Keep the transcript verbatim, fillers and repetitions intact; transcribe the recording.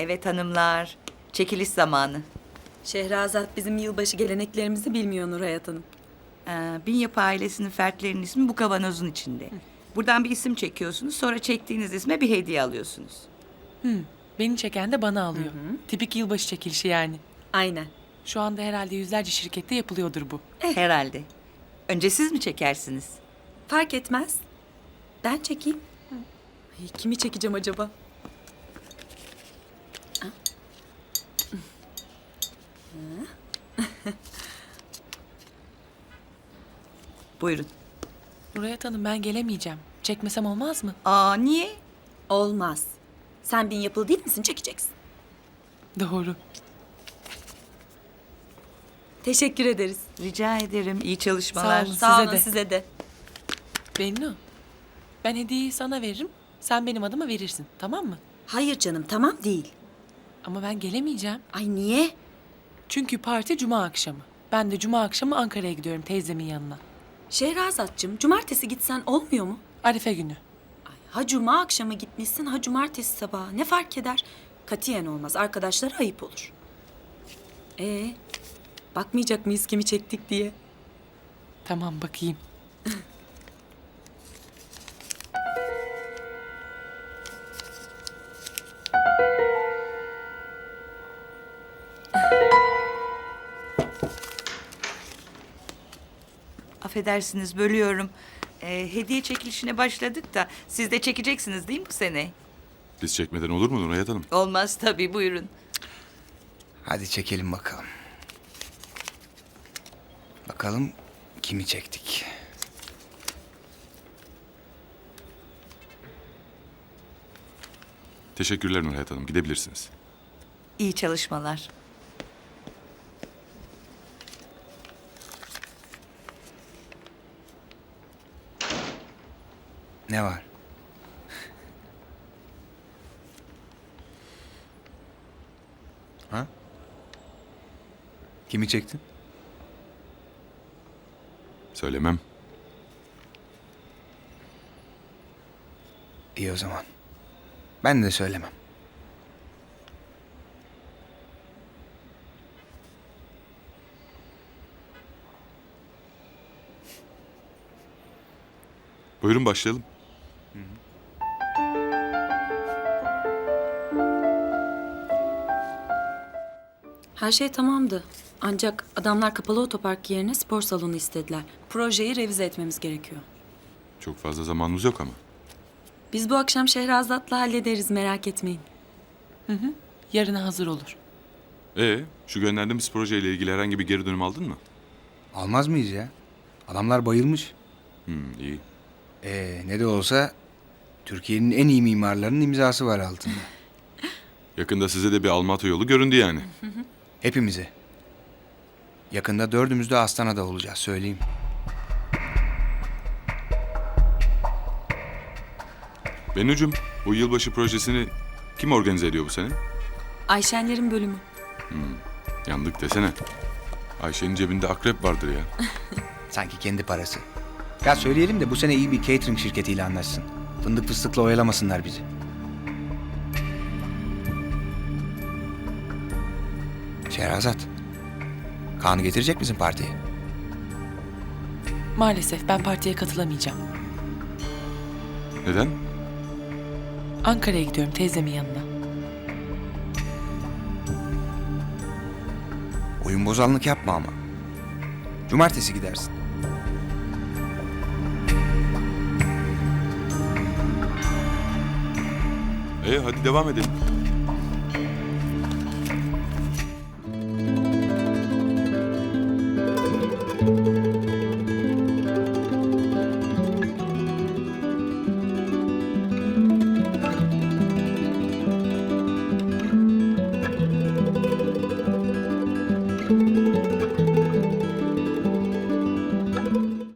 Evet hanımlar, çekiliş zamanı. Şehrazat bizim yılbaşı geleneklerimizi bilmiyor Nuray Hanım. Ee, Binyapı ailesinin fertlerinin ismi bu kavanozun içinde. Buradan bir isim çekiyorsunuz, sonra çektiğiniz isme bir hediye alıyorsunuz. Beni çeken de bana alıyor. Tipik yılbaşı çekilişi yani. Aynen. Şu anda herhalde yüzlerce şirkette yapılıyordur bu. Herhalde. Önce siz mi çekersiniz? Fark etmez. Ben çekeyim. Ay, kimi çekeceğim acaba? Buyurun. Nurayet Hanım ben gelemeyeceğim. Çekmesem olmaz mı? Aa, niye? Olmaz. Sen bin yapılı değil misin? Çekeceksin. Doğru. Teşekkür ederiz. Rica ederim. İyi çalışmalar. Sağ olun. Sağ Size olun de. size de. Bennu, ben hediyeyi sana veririm. Sen benim adıma verirsin. Tamam mı? Hayır canım tamam değil. Ama ben gelemeyeceğim. Ay niye? Çünkü parti cuma akşamı. Ben de cuma akşamı Ankara'ya gidiyorum teyzemin yanına. Şehrazatçım cumartesi gitsen olmuyor mu? Arife günü. Ay, ha cuma akşamı gitmişsin ha cumartesi sabahı. Ne fark eder? Katiyen olmaz. Arkadaşlara ayıp olur. Ee, bakmayacak mıyız kimi çektik diye? Tamam bakayım. Affedersiniz, bölüyorum. Ee, hediye çekilişine başladık da siz de çekeceksiniz değil mi bu sene? Biz çekmeden olur mu Nurayet Hanım? Olmaz tabii, buyurun. Hadi çekelim bakalım. Bakalım kimi çektik. Teşekkürler Nurayet Hanım. Gidebilirsiniz. İyi çalışmalar. Ne var? Ha? Kimi çektin? Söylemem. İyi o zaman. Ben de söylemem. Buyurun başlayalım. Her şey tamamdı. Ancak adamlar kapalı otopark yerine spor salonu istediler. Projeyi revize etmemiz gerekiyor. Çok fazla zamanımız yok ama. Biz bu akşam Şehrazat'la hallederiz merak etmeyin. Yarına hazır olur. Ee, şu gönderdiğimiz projeyle ilgili herhangi bir geri dönüm aldın mı? Almaz mıyız ya? Adamlar bayılmış. Hmm, iyi. Ee, ne de olsa Türkiye'nin en iyi mimarlarının imzası var altında. Yakında size de bir Almatı yolu göründü yani. Hepimize. Yakında dördümüz de Astana'da olacağız söyleyeyim. Bennucuğum, bu yılbaşı projesini kim organize ediyor bu sene? Ayşenlerin bölümü. Yandık desene. Ayşe'nin cebinde akrep vardır ya. Sanki kendi parası. Ya söyleyelim de bu sene iyi bir catering şirketiyle anlaşsın. Fındık fıstıkla oyalamasınlar bizi. Şehrazat. Kaan'ı getirecek misin partiye? Maalesef ben partiye katılamayacağım. Neden? Ankara'ya gidiyorum teyzemin yanına. Oyun bozanlık yapma ama. Cumartesi gidersin. Ee, hadi devam edelim.